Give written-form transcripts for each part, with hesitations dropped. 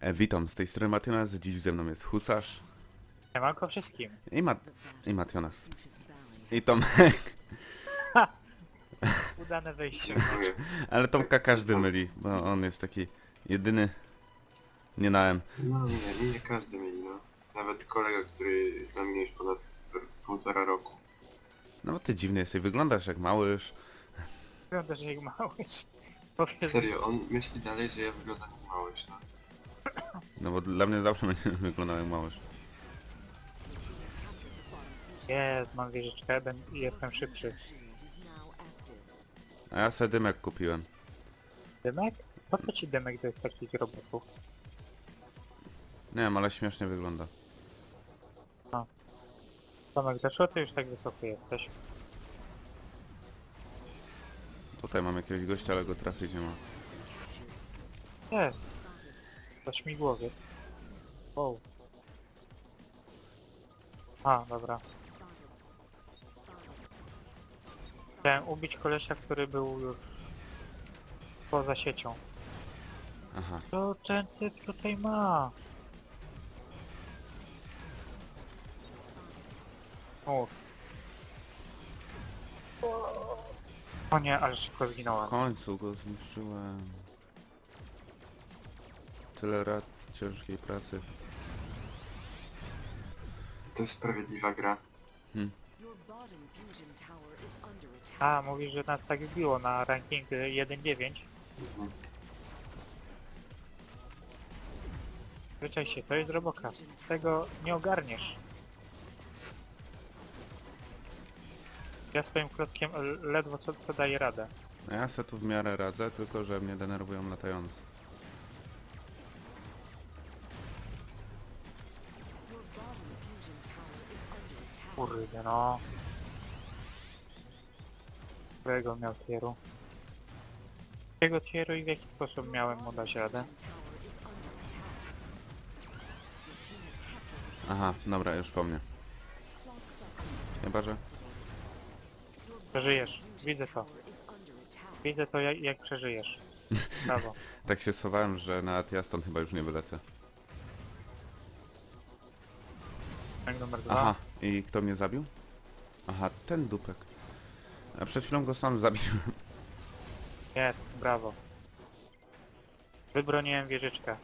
Witam, z tej strony Mationas, dziś ze mną jest Husarz Siemanko wszystkim. i Mationas. I Tomek, Ha! Udane wejście. Dziękuję. ale Tomka każdy myli, bo on jest taki jedyny, nie na M. No nie każdy mieli, no. Nawet kolega, który z nami już ponad półtora roku. No bo ty dziwny jesteś, wyglądasz jak małyż. Wyglądasz jak małyż. Powiedz, Serio, on myśli dalej, że ja wyglądam jak małyż, no. No bo dla mnie zawsze będzie wyglądał jak małyż. jest, mam wieżyczkę i jestem szybszy. A ja sobie dymek kupiłem. Dymek? Po co ci dymek do takich robotów? Nie wiem, ale śmiesznie wygląda. Tomek, dlaczego ty już tak wysoko jesteś? Tutaj mam jakiegoś gościa, ale go trafić nie ma. Jest. To śmigłowiec. Wow. A, dobra. Chciałem ubić kolesia, który był już poza siecią. Aha, Co ten typ tutaj ma? Uff. O nie, ale szybko w zginąłem. końcu go zniszczyłem. Tyle lat ciężkiej pracy. To jest sprawiedliwa gra. A, mówisz, że nas tak wbiło na ranking 1.9. Mhm. Wyczaj się, to jest Robocraft. Tego nie ogarniesz. Ja swoim klockiem ledwo co daję radę. A ja se tu w miarę radzę, tylko że mnie denerwują latający. Kurde no. Którego miał tieru? Jakiego tieru i w jaki sposób miałem mu dać radę? Aha, dobra, już po mnie. Chyba, że... Przeżyjesz, widzę to. Widzę to jak przeżyjesz. Brawo. Tak się schowałem, że nawet ja stąd chyba już nie wylecę. Rank numer 2. Aha, i kto mnie zabił? Aha, ten dupek. A przed chwilą go sam zabiłem. Jest, brawo. Wybroniłem wieżyczkę.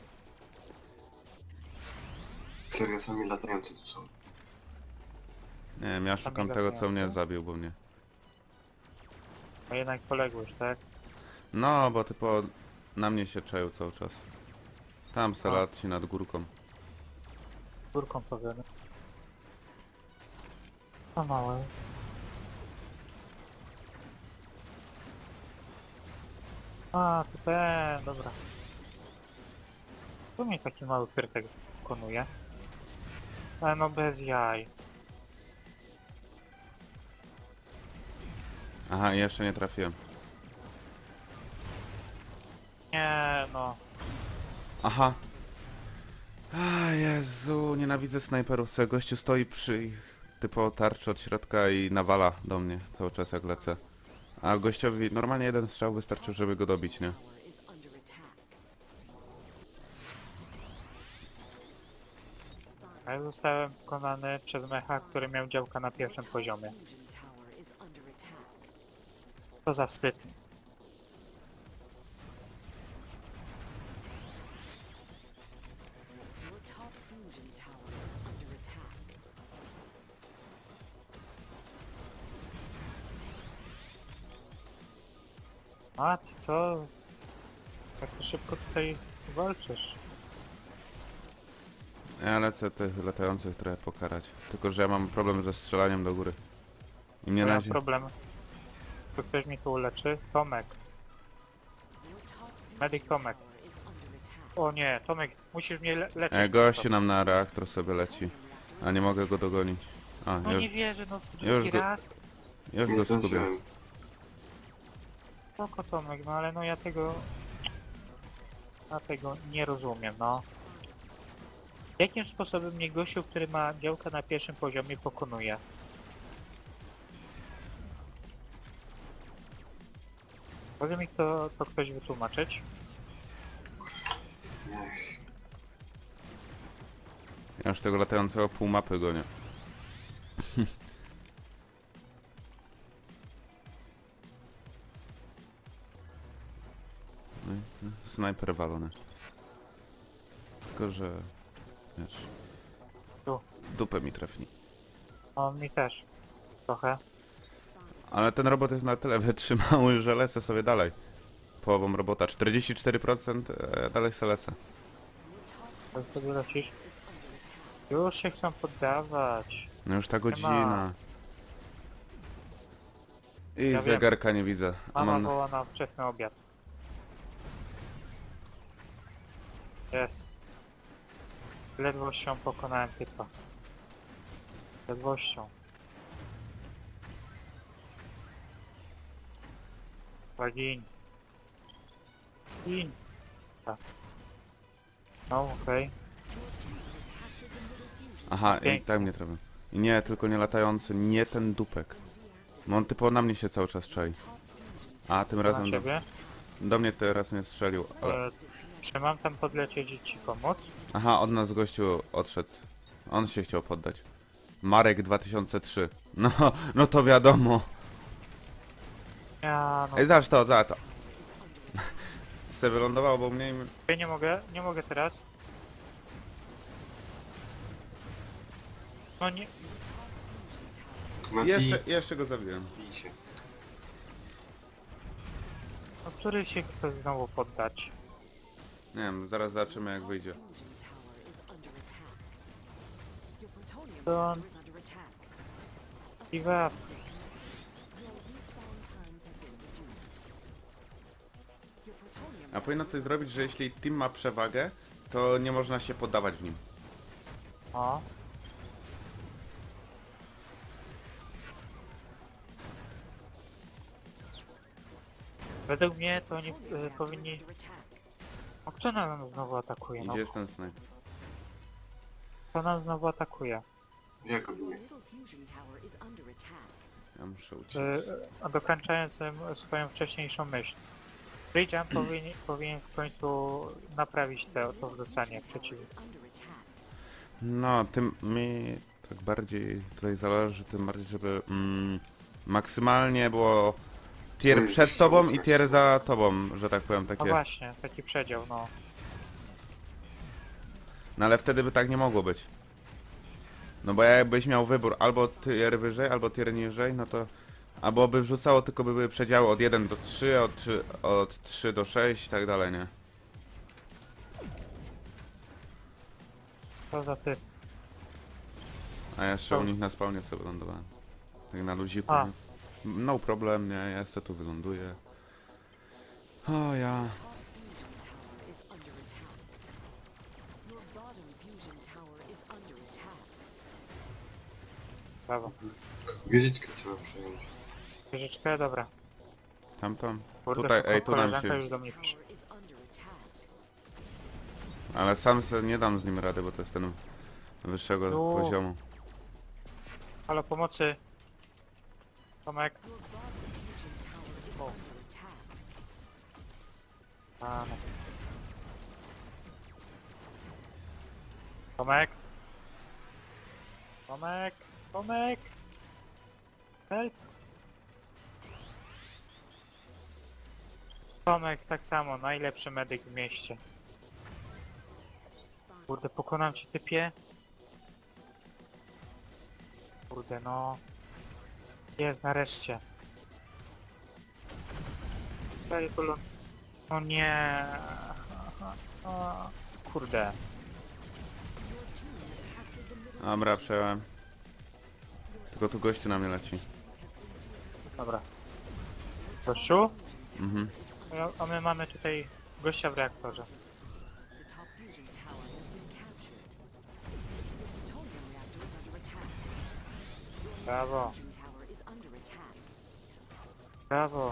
Serio, sami latający tu są. Nie wiem, ja szukam tego, co mnie zabił, bo mnie... A jednak poległeś, tak? No, bo typo na mnie się czają cały czas. Tam se A. lat się nad górką. Górką powiemy. To małe. A, to ten, dobra. Tu mnie taki mały pyrtek wykonuje. Ale no bez jaj. Aha, i jeszcze nie trafiłem. Nie, no. Aha. A Jezu, nienawidzę snajperów. Se gościu stoi przy ich typo tarczy od środka i nawala do mnie cały czas jak lecę. A gościowi normalnie jeden strzał wystarczył, żeby go dobić, nie? A ja zostałem pokonany przez mecha, który miał działka na pierwszym poziomie. To za wstyd. A ty co? Jak to szybko tutaj walczysz? Ja lecę tych latających trochę pokarać. Tylko, że ja mam problem ze strzelaniem do góry. I mnie Nie na mam razie... problem. Tu ktoś mi tu uleczy? Tomek. Medyk Tomek. O nie, Tomek, musisz mnie leczyć. Gościu nam na reaktor sobie leci. A nie mogę go dogonić. A, No już, nie wierzę, no już drugi go- raz. już Nie go skubię. zdążyłem. Spoko Tomek, no ale no ja tego... Ja tego nie rozumiem, no. Jakim sposobem mnie gościu, który ma działka na pierwszym poziomie pokonuje? Może mi to ktoś wytłumaczyć? Niech. Ja już tego latającego pół mapy gonię. No i snajper walony. Tylko, że... Wiesz... Tu. W dupę mi trafni. On mi też. Trochę. Ale ten robot jest na tyle wytrzymały, że lecę sobie dalej. Połową robota. 44% dalej se lecę. Jak sobie lecisz? Już się chcą poddawać. No już ta ma. godzina. I Ja wiem. zegarka nie widzę. A Mama mam... woła na wczesny obiad. Jest. Ledwością pokonałem typa. Ledwością. Gin. Gin. Tak. No, okej. Aha, i Pięknie. tak mnie trafił. I nie, tylko nie latający, nie ten dupek. No on typowo na mnie się cały czas czai. A tym Na razem ciebie. do mnie teraz nie strzelił, ale... Czy mam tam podlecieć i ci pomóc? Aha, od nas gościu odszedł. On się chciał poddać. Marek 2003. No, no to wiadomo. Ja no. Ej, zobacz to, zobacz to. Se wylądował, bo mniej... Ja nie mogę teraz. No nie, Mati, Jeszcze go zabiłem. bij się. no który się chce znowu poddać? Nie wiem, zaraz zobaczymy jak wyjdzie. Don't give up. A powinno coś zrobić, że jeśli team ma przewagę, to nie można się poddawać w nim. O. Według mnie to oni powinni... O, kto nam znowu atakuje? No, Gdzie jest ten snajper? kto nam znowu atakuje? Ja go biję. Ja muszę uciec. A dokończając swoją wcześniejszą myśl. Bridge'an powinien w końcu naprawić to wrzucanie przeciwnie. No, tym mi tak bardziej tutaj zależy, tym bardziej, żeby maksymalnie było tier Oj, przed tobą i super. tier za tobą, że tak powiem, No takie. właśnie, taki przedział, no. No ale wtedy by tak nie mogło być. No bo jakbyś miał wybór albo tier wyżej, albo tier niżej, no to... Albo by wrzucało, tylko by były przedziały od 1 do 3, od 3 do 6 i tak dalej, nie? Co za ty? A ja jeszcze To- u nich na spawnie sobie lądowałem. Tak na luziku. A. Nie? No problem, nie? Ja se tu wyląduję. O ja... Brawo. Wieżyczkę trzeba przejąć. Wieżyczkę, dobra. Tamtam. Kurde, Tutaj, ej, tu nam koleżanka się... już do mnie pisze. Ale sam se nie dam z nim rady, bo to jest ten wyższego No. poziomu. Halo, pomocy. Tomek. O. A, no. Tomek. Tomek. Tomek. Help. Tomek, tak samo, najlepszy medyk w mieście. Kurde, pokonam cię, typie. Kurde, no. Jest, nareszcie. Daj kolon. O nie. O, kurde. Dobra, przejąłem. Tylko tu gościu na mnie leci. Dobra. Gościu? Mhm. A my mamy tutaj gościa w reaktorze. Brawo. Brawo.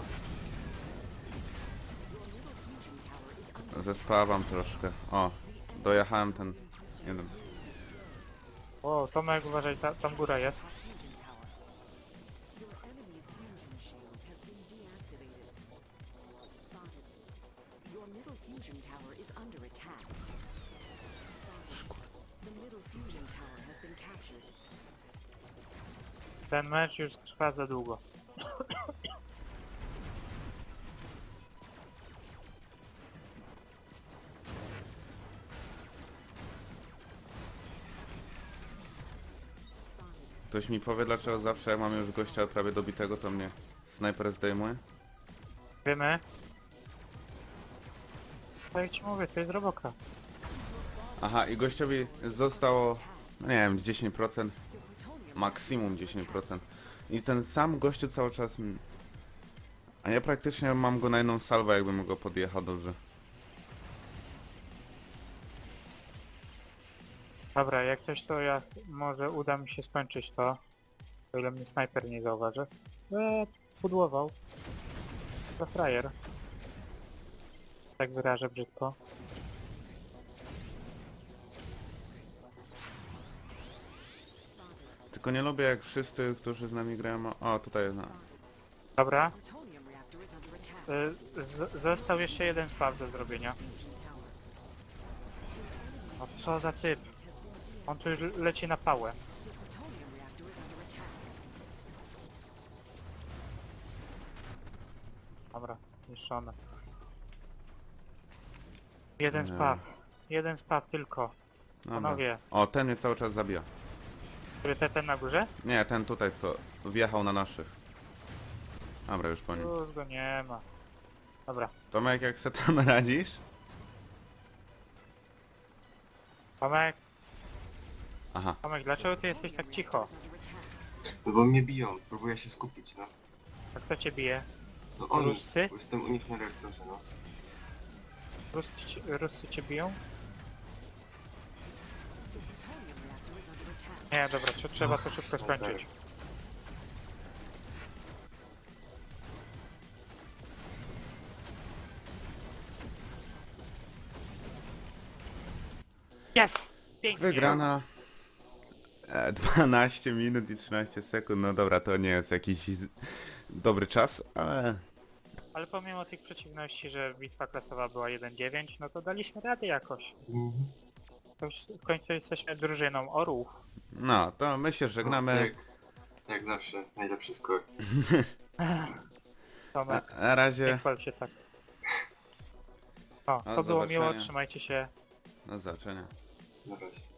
Zespawam troszkę. O, dojechałem ten jeden. O, Tomek, uważaj, tam góra jest. Ten mecz już trwa za długo. Ktoś mi powie, dlaczego zawsze jak mam już gościa prawie dobitego, to mnie snajper zdejmuje? Wiemy? Tak jak ci mówię, to jest roboka. Aha, i gościowi zostało, no nie wiem, 10%, maksimum 10%. I ten sam gościu cały czas... A ja praktycznie mam go na jedną salwę, jakbym go podjechał dobrze. Dobra, jak coś to ja może uda mi się skończyć to. O ile mnie snajper nie zauważy. Pudłował. To frajer. Tak wyrażę brzydko. Tylko nie lubię jak wszyscy, którzy z nami grają... O, tutaj jest... Dobra. Został jeszcze jeden spaw do zrobienia. No co za typ. On tu już leci na pałę. Dobra, niszczone. Jeden Nie. spaw. Jeden spaw tylko. Dobra. Panowie, O, ten mnie cały czas zabija. który ten na górze? Nie, ten tutaj, co wjechał na naszych. Dobra, już po nim. Już go nie ma. Dobra. Tomek, jak se tam radzisz? Aha. Tomek, dlaczego ty jesteś tak cicho? No bo mnie biją, próbuję się skupić, no. A kto cię bije? No oni, Ruscy? bo jestem u nich na reaktorze, no. Ruscy cię biją? Nie, dobra, trzeba to szybko skończyć. Yes! Pięknie! Wygrana. 12 minut i 13 sekund. No dobra, to nie jest jakiś dobry czas, ale... Ale pomimo tych przeciwności, że bitwa klasowa była 1-9, no to daliśmy radę jakoś. Mhm. To już w końcu jesteśmy drużyną orłów. No, to my się żegnamy. Jak zawsze, najlepszy skor. Tomek, Na razie. nie chwal się tak. O, Do to było zobaczenia. miło, trzymajcie się. Do zobaczenia. Na razie.